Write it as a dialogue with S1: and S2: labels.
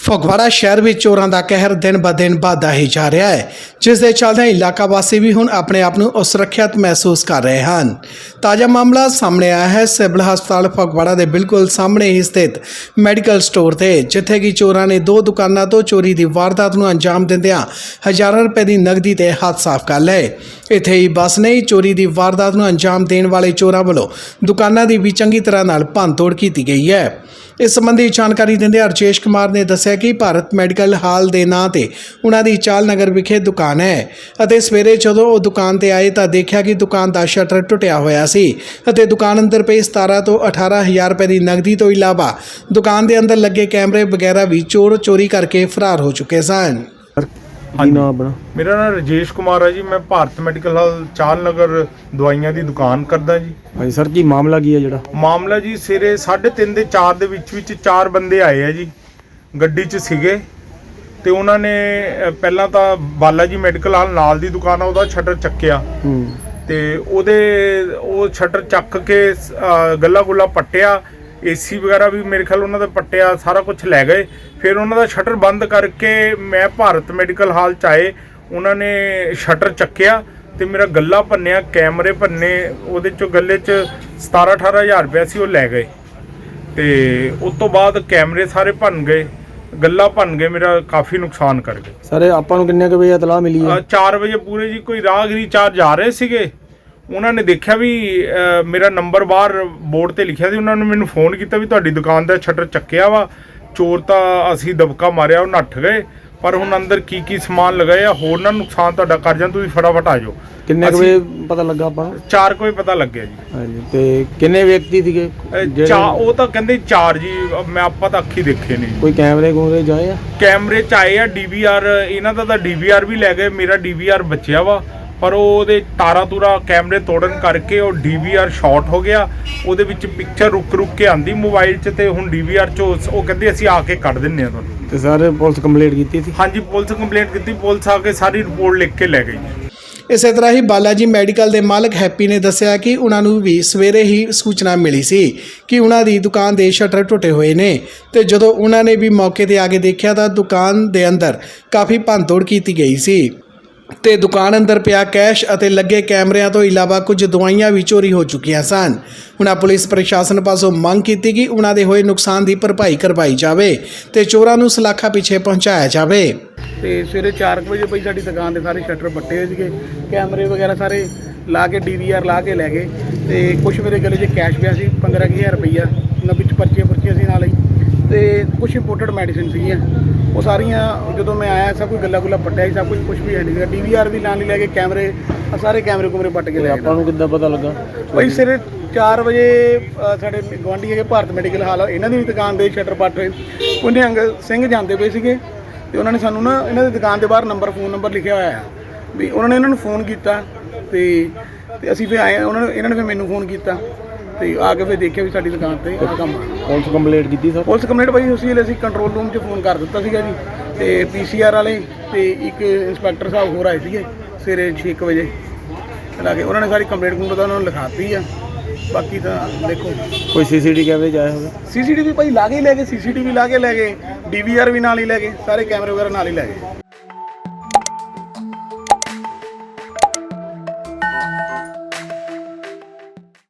S1: ਫਗਵਾੜਾ ਸ਼ਹਿਰ ਵਿੱਚ ਚੋਰਾਂ ਦਾ ਕਹਿਰ ਦਿਨ ਬ ਦਿਨ ਵਧਦਾ ਹੀ ਜਾ ਰਿਹਾ ਹੈ, ਜਿਸ ਦੇ ਚੱਲਦਿਆਂ ਇਲਾਕਾ ਵਾਸੀ ਵੀ ਹੁਣ ਆਪਣੇ ਆਪ ਨੂੰ ਅਸੁਰੱਖਿਅਤ ਮਹਿਸੂਸ ਕਰ ਰਹੇ ਹਨ। ਤਾਜ਼ਾ ਮਾਮਲਾ ਸਾਹਮਣੇ ਆਇਆ ਹੈ ਸਿਵਲ ਹਸਪਤਾਲ ਫਗਵਾੜਾ ਦੇ ਬਿਲਕੁਲ ਸਾਹਮਣੇ ਹੀ ਸਥਿਤ ਮੈਡੀਕਲ ਸਟੋਰ ਤੇ, ਜਿੱਥੇ ਕਿ ਚੋਰਾਂ ਨੇ ਦੋ ਦੁਕਾਨਾਂ ਤੋਂ ਚੋਰੀ ਦੀ ਵਾਰਦਾਤ ਨੂੰ ਅੰਜਾਮ ਦਿੰਦਿਆਂ ਹਜ਼ਾਰਾਂ ਰੁਪਏ ਦੀ ਨਕਦੀ ਤੇ ਹੱਥ ਸਾਫ਼ ਕਰ ਲਏ। ਇੱਥੇ ਹੀ ਬਸ ਨਹੀਂ, ਚੋਰੀ ਦੀ ਵਾਰਦਾਤ ਨੂੰ ਅੰਜਾਮ ਦੇਣ ਵਾਲੇ ਚੋਰਾਂ ਵੱਲੋਂ ਦੁਕਾਨਾਂ ਦੀ ਵੀ ਚੰਗੀ ਤਰ੍ਹਾਂ ਨਾਲ ਭੰਨਤੋੜ ਕੀਤੀ ਗਈ ਹੈ। ਇਸ ਸੰਬੰਧੀ ਜਾਣਕਾਰੀ ਦਿੰਦੇ ਰਜੇਸ਼ ਕੁਮਾਰ ਨੇ ਦੱਸਿਆ ਕਿ ਭਾਰਤ ਮੈਡੀਕਲ ਹਾਲ ਦੇ ਨਾਂ ਤੇ ਉਹਨਾਂ ਦੀ ਚਾਲ ਨਗਰ ਵਿਖੇ ਦੁਕਾਨ ਹੈ ਅਤੇ ਸਵੇਰੇ ਜਦੋਂ ਉਹ ਦੁਕਾਨ ਤੇ ਆਏ ਤਾਂ ਦੇਖਿਆ ਕਿ ਦੁਕਾਨ ਦਾ ਸ਼ਟਰ ਟੁੱਟਿਆ ਹੋਇਆ ਸੀ ਅਤੇ ਦੁਕਾਨ ਅੰਦਰ ਪਈ 17 ਤੋਂ 18,000 ਰੁਪਏ ਦੀ ਨਕਦੀ ਤੋਂ ਇਲਾਵਾ ਦੁਕਾਨ ਦੇ ਅੰਦਰ ਲੱਗੇ ਕੈਮਰੇ ਵਗੈਰਾ ਵੀ ਚੋਰੀ ਕਰਕੇ ਫਰਾਰ ਹੋ ਚੁੱਕੇ ਸਨ।
S2: ਹਾਂਜੀ, ਮੇਰਾ ਨਾਮ ਰਜੇਸ਼ ਕੁਮਾਰ ਹੈ ਜੀ। ਮੈਂ ਭਾਰਤ ਮੈਡੀਕਲ ਹਾਲ ਚਾਲ ਨਗਰ ਦਵਾਈਆਂ ਦੀ ਦੁਕਾਨ ਕਰਦਾ ਜੀ।
S3: ਹਾਂਜੀ ਸਰ, ਕੀ ਮਾਮਲਾ ਕੀ ਹੈ ਜਿਹੜਾ?
S2: ਮਾਮਲਾ ਜੀ ਸਵੇਰੇ 3:30 ਦੇ 4 ਦੇ ਵਿੱਚ 4 ਬੰਦੇ ਆਏ ਆ ਜੀ, ਗੱਡੀ 'ਚ ਸੀਗੇ ਤੇ ਉਹਨਾਂ ਨੇ ਪਹਿਲਾਂ ਤਾਂ ਬਾਲਾ ਜੀ ਮੈਡੀਕਲ ਹਾਲ ਨਾਲ ਦੀ ਦੁਕਾਨ ਆ, ਉਹਦਾ ਸ਼ਟਰ ਚੱਕਿਆ ਤੇ ਉਹ ਸ਼ਟਰ ਚੱਕ ਕੇ ਗੱਲਾ ਗੁੱਲਾ ਪੱਟਿਆ, ਏਸੀ ਵਗੈਰਾ ਵੀ ਮੇਰੇ ਖਿਆਲ ਉਹਨਾਂ ਦਾ ਪੱਟਿਆ, ਸਾਰਾ ਕੁਝ ਲੈ ਗਏ। ਫਿਰ ਉਹਨਾਂ ਦਾ ਸ਼ਟਰ ਬੰਦ ਕਰਕੇ ਮੈਂ ਭਾਰਤ ਮੈਡੀਕਲ ਹਾਲ 'ਚ ਆਏ, ਉਹਨਾਂ ਨੇ ਸ਼ਟਰ ਚੱਕਿਆ ਤੇ ਮੇਰਾ ਗੱਲਾ ਭੰਨਿਆ, ਕੈਮਰੇ ਭੰਨੇ, ਉਹਦੇ 'ਚੋਂ ਗੱਲੇ 'ਚ 17-18 ਹਜ਼ਾਰ ਰੁਪਇਆ ਸੀ, ਉਹ ਲੈ ਗਏ ਤੇ ਉਸ ਤੋਂ ਬਾਅਦ ਕੈਮਰੇ ਸਾਰੇ ਭੰਨ ਗਏ, ਗੱਲਾ ਭੰਨ ਗਏ, ਮੇਰਾ ਕਾਫੀ ਨੁਕਸਾਨ ਕਰ ਗਏ।
S3: ਸਰ ਆਪਾਂ ਨੂੰ ਕਿੰਨੇ ਕੁ ਵਜੇ ਇਤਲਾਹ ਮਿਲੀ ਹੈ?
S2: 4 ਵਜੇ ਪੂਰੇ ਜੀ। ਕੋਈ ਰਾਹਗੀਰੀ 4 ਜਾ ਰਹੇ ਸੀਗੇ, ਉਹਨਾਂ ਨੇ ਦੇਖਿਆ ਵੀ ਮੇਰਾ ਨੰਬਰ ਬਾਹਰ ਬੋਰਡ ਤੇ ਲਿਖਿਆ ਸੀ, ਉਹਨਾਂ ਨੇ ਮੈਨੂੰ ਫੋਨ ਕੀਤਾ ਵੀ ਤੁਹਾਡੀ ਦੁਕਾਨ ਦਾ ਸ਼ਟਰ ਚੱਕਿਆ ਵਾ, ਚੋਰ ਤਾਂ ਅਸੀਂ ਦਬਕਾ ਮਾਰਿਆ, ਉਹ ਨੱਠ ਗਏ, ਪਰ ਹੁਣ ਅੰਦਰ ਕੀ ਸਮਾਨ ਲਗਾਏ ਆ, ਹੋਰ ਨਾ ਨੁਕਸਾਨ ਤੁਹਾਡਾ ਕਰ ਜਾਣ, ਤੁਸੀਂ ਫਟਾਫਟ ਆ ਜਾਓ।
S3: ਕਿੰਨੇ ਕੁ ਵਜੇ ਪਤਾ ਲੱਗਾ ਆਪਾਂ ਨੂੰ?
S2: 4 ਵਜੇ ਪਤਾ ਲੱਗਿਆ ਜੀ।
S3: ਹਾਂਜੀ, ਤੇ ਕਿੰਨੇ ਵਿਅਕਤੀ ਸੀਗੇ?
S2: ਉਹ ਤਾਂ ਕਹਿੰਦੇ 4 ਜੀ, ਮੈਂ ਆਪਾਂ ਤਾਂ ਅੱਖੀ ਦੇਖੇ ਨਹੀਂ।
S3: ਕੋਈ ਕੈਮਰੇ ਕੂਮਰੇ ਜਾਏ ਆ?
S2: ਕੈਮਰੇ 'ਚ ਆਏ ਆ, DVR ਇਹਨਾਂ ਦਾ ਤਾਂ DVR ਵੀ ਲੈ ਗਏ, ਮੇਰਾ DVR ਬਚਿਆ ਵਾ, ਪਰ ਉਹਦੇ ਤਾਰਾਂ ਤੂਰਾ ਕੈਮਰੇ ਤੋੜਨ ਕਰਕੇ ਉਹ DVR ਸ਼ਾਰਟ ਹੋ ਗਿਆ, ਉਹਦੇ ਵਿੱਚ ਪਿਕਚਰ ਰੁਕ ਕੇ ਆਂਦੀ ਮੋਬਾਈਲ 'ਚ, ਤੇ ਹੁਣ DVR 'ਚੋਂ ਉਹ ਕਹਿੰਦੇ ਅਸੀਂ ਆ ਕੇ ਕੱਢ ਦਿੰਨੇ ਆ ਤੁਹਾਨੂੰ।
S3: ਤੇ ਸਰ ਪੁਲਿਸ ਕੰਪਲੇਂਟ ਕੀਤੀ ਸੀ?
S2: ਹਾਂਜੀ, ਪੁਲਿਸ ਕੰਪਲੇਂਟ ਕੀਤੀ, ਪੁਲਿਸ ਆ ਕੇ ਸਾਰੀ ਰਿਪੋਰਟ ਲਿਖ ਕੇ ਲੈ ਗਈ।
S1: ਇਸੇ ਤਰ੍ਹਾਂ ਹੀ ਬਾਲਾ ਜੀ ਮੈਡੀਕਲ ਦੇ ਮਾਲਕ ਹੈਪੀ ਨੇ ਦੱਸਿਆ ਕਿ ਉਹਨਾਂ ਨੂੰ ਵੀ ਸਵੇਰੇ ਹੀ ਸੂਚਨਾ ਮਿਲੀ ਸੀ ਕਿ ਉਹਨਾਂ ਦੀ ਦੁਕਾਨ ਦੇ ਸ਼ਟਰ ਟੁੱਟੇ ਹੋਏ ਨੇ, ਤੇ ਜਦੋਂ ਉਹਨਾਂ ਨੇ ਵੀ ਮੌਕੇ ਤੇ ਆ ਕੇ ਦੇਖਿਆ ਤਾਂ ਦੁਕਾਨ ਦੇ ਅੰਦਰ ਕਾਫੀ ਭੰਨਤੋੜ ਕੀਤੀ ਗਈ ਸੀ ਤੇ ਦੁਕਾਨ ਅੰਦਰ ਪਿਆ ਕੈਸ਼ ਅਤੇ ਲੱਗੇ ਕੈਮਰਿਆਂ ਤੋਂ ਇਲਾਵਾ ਕੁਝ ਦਵਾਈਆਂ ਵੀ ਚੋਰੀ ਹੋ ਚੁੱਕੀਆਂ ਸਨ। ਉਹਨਾਂ ਪੁਲਿਸ ਪ੍ਰਸ਼ਾਸਨ ਪਾਸੋਂ ਮੰਗ ਕੀਤੀ ਕਿ ਉਹਨਾਂ ਦੇ ਹੋਏ ਨੁਕਸਾਨ ਦੀ ਭਰਪਾਈ ਕਰਵਾਈ ਜਾਵੇ ਤੇ ਚੋਰਾਂ ਨੂੰ ਸਲਾਖਾਂ ਪਿੱਛੇ ਪਹੁੰਚਾਇਆ ਜਾਵੇ।
S4: ਤੇ ਸਵੇਰੇ 4 ਵਜੇ ਪਈ ਸਾਡੀ ਦੁਕਾਨ ਦੇ ਸਾਰੇ ਸ਼ਟਰ ਪੱਟੇ ਹੋਏ ਸੀਗੇ, ਕੈਮਰੇ ਵਗੈਰਾ ਸਾਰੇ ਲਾ ਕੇ DVR ਲਾ ਕੇ ਲੈ ਗਏ, ਤੇ ਕੁਝ ਮੇਰੇ ਗਲੇ 'ਚ ਕੈਸ਼ ਪਿਆ ਸੀ 15,000 ਰੁਪਈਆ, ਉਹਨਾਂ ਵਿੱਚ ਪਰਚੀਆਂ ਸੀ ਨਾਲ ਹੀ, ਤੇ ਕੁਝ ਇੰਪੋਰਟਡ ਮੈਡੀਸਿਨ ਸੀਗੀਆਂ, ਉਹ ਸਾਰੀਆਂ ਜਦੋਂ ਮੈਂ ਆਇਆ ਸਭ ਕੁਝ ਗੱਲਾ ਗੁੱਲਾ ਪੱਟਿਆ ਸੀ, ਸਭ ਕੁਝ ਵੀ ਹੈ ਨਹੀਂ ਸੀਗਾ, DVR ਵੀ ਨਾਲ ਹੀ ਲੈ ਕੇ ਕੈਮਰੇ ਸਾਰੇ ਕੈਮਰੇ ਕੁਮਰੇ ਪੱਟ ਕੇ ਲੈ ਗਏ।
S3: ਆਪਾਂ ਨੂੰ ਕਿੱਦਾਂ ਪਤਾ ਲੱਗਾ?
S4: ਭਾਈ ਸਵੇਰੇ 4 ਵਜੇ ਸਾਡੇ ਗੁਆਂਢੀ ਹੈਗੇ ਭਾਰਤ ਮੈਡੀਕਲ ਹਾਲ, ਇਹਨਾਂ ਦੀ ਵੀ ਦੁਕਾਨ ਦੇ ਸ਼ਟਰ ਪੱਟ ਹੋਏ, ਉਹਨੇ ਅੰਗ ਸਿੰਘ ਜਾਂਦੇ ਪਏ ਸੀਗੇ, ਤੇ ਉਹਨਾਂ ਨੇ ਸਾਨੂੰ ਨਾ ਇਹਨਾਂ ਦੀ ਦੁਕਾਨ ਦੇ ਬਾਹਰ ਫੋਨ ਨੰਬਰ ਲਿਖਿਆ ਹੋਇਆ ਆ ਵੀ, ਉਹਨਾਂ ਨੇ ਇਹਨਾਂ ਨੂੰ ਫੋਨ ਕੀਤਾ ਤੇ ਅਸੀਂ ਫਿਰ ਆਏ, ਇਹਨਾਂ ਨੇ ਫਿਰ ਮੈਨੂੰ ਫੋਨ ਕੀਤਾ ਤੇ ਆ ਕੇ ਫਿਰ ਦੇਖਿਆ ਵੀ ਸਾਡੀ ਦੁਕਾਨ ਤੇ ਕੰਮ ਆ।
S3: ਪੁਲਿਸ ਕੰਪਲੇਂਟ ਕੀਤੀ ਸਰ?
S4: ਪੁਲਿਸ ਕੰਪਲੇਂਟ ਭਾਈ ਉਸੇ ਵੇਲੇ ਅਸੀਂ ਕੰਟਰੋਲ ਰੂਮ 'ਚ ਫੋਨ ਕਰ ਦਿੱਤਾ ਸੀਗਾ ਜੀ, ਤੇ PCR ਵਾਲੇ ਤੇ ਇੱਕ ਇੰਸਪੈਕਟਰ ਸਾਹਿਬ ਹੋਰ ਆਏ ਸੀਗੇ ਸਵੇਰੇ 6 ਵਜੇ ਲਾ ਕੇ, ਉਹਨਾਂ ਨੇ ਸਾਰੀ ਕੰਪਲੇਂਟ ਤਾਂ ਉਹਨਾਂ ਨੂੰ ਲਿਖਾਤੀ ਆ। ਬਾਕੀ ਤਾਂ ਦੇਖੋ
S3: ਕੋਈ CCTV ਕੈਮਰੇ 'ਚ ਆਇਆ ਹੋਵੇ?
S4: CCTV ਭਾਈ ਲਾ ਕੇ ਹੀ ਲੈ ਗਏ, CCTV ਲਾ ਕੇ ਲੈ ਗਏ, DVR ਵੀ ਨਾਲ ਹੀ ਲੈ ਗਏ, ਸਾਰੇ ਕੈਮਰੇ ਵਗੈਰਾ ਨਾਲ ਹੀ ਲੈ ਗਏ।